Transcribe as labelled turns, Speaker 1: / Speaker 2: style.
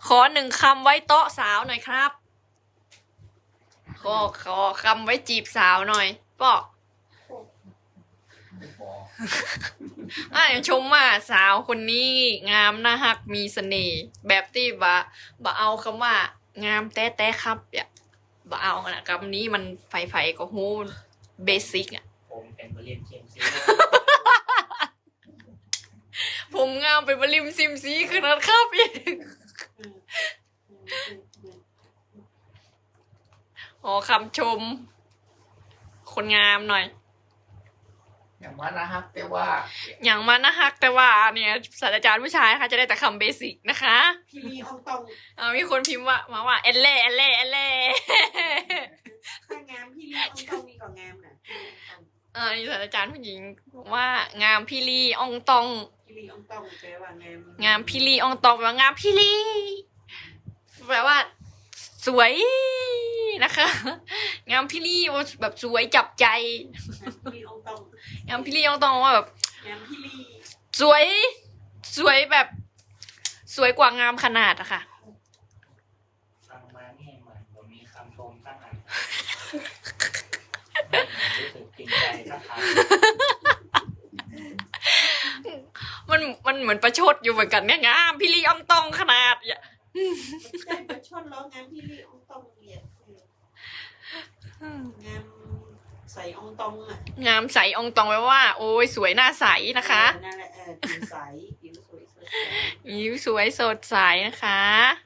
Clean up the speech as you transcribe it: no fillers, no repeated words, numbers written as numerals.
Speaker 1: ขอหนึ่งคำไว้โต๊ะสาวหน่อยครับขอคำไว้จีบสาวหน่อยป่อชมว่าสาวคนนี้งามน่าฮักมีเสน่ห์แบบที่บ่เอาคำว่างามแต้ครับอย่าบ่เอานะคำนี้มันไฟก็ฮู้เบสิกอ่ะ
Speaker 2: ผมเป็นบริเวณเชียงซี
Speaker 1: ผมงามไปบริมซิมซีขนาดครับอีกขอคำชมคนงามหน่อย
Speaker 2: อย่างว่านะฮะแต่ว่า
Speaker 1: อย่างมันนะฮักแต่ว่าเนี่ยศาสตราจารย์ผู้ชายค่ะจะได้แต่คำเบสิกนะคะ
Speaker 3: พี่ลีอองตอง
Speaker 1: มีคนพิมพ์ว่าเอลเล่
Speaker 3: ถ้างามพี่ลีอองตองนี่ก็งามนะ
Speaker 1: นี่ศาสตราจารย์ผู้หญิงบอกว่างามพี่ลีอองตอง
Speaker 3: พี่ลีอองตองแปลว่างาม
Speaker 1: งามพี่ลีอองตองแปลว่างามพี่ลีแปลว่าสวยนะคะ งามพี่ลีแบบสวยจับใจ
Speaker 3: พี่ลีอองตอง
Speaker 1: งามพี่ลีอองตองว่าแบบ
Speaker 3: งามพี่ลี
Speaker 1: สวยแบบสวยกว่างามขนาดอะค่ะ
Speaker 2: ฟังมาเนี่ยเหมือนผมมีคำชมตั้งอันรู้สึกจริงใจสักครั้ง
Speaker 1: มันเหมือนประชดอยู่เหมือนกันเนี่ยงามพี่ลีอองตองขนาดอย่า
Speaker 3: ใช่ประชดล้องามพี่ลีอองตองเรียงามใส่อองตองอ่ะ
Speaker 1: งามใสอองตองแปลว่าโอ้ยสวยหน้าใสนะคะ
Speaker 3: นั่นแหละผิวใสผิวสวยสดใส
Speaker 1: ผิวสวยสดใสนะคะ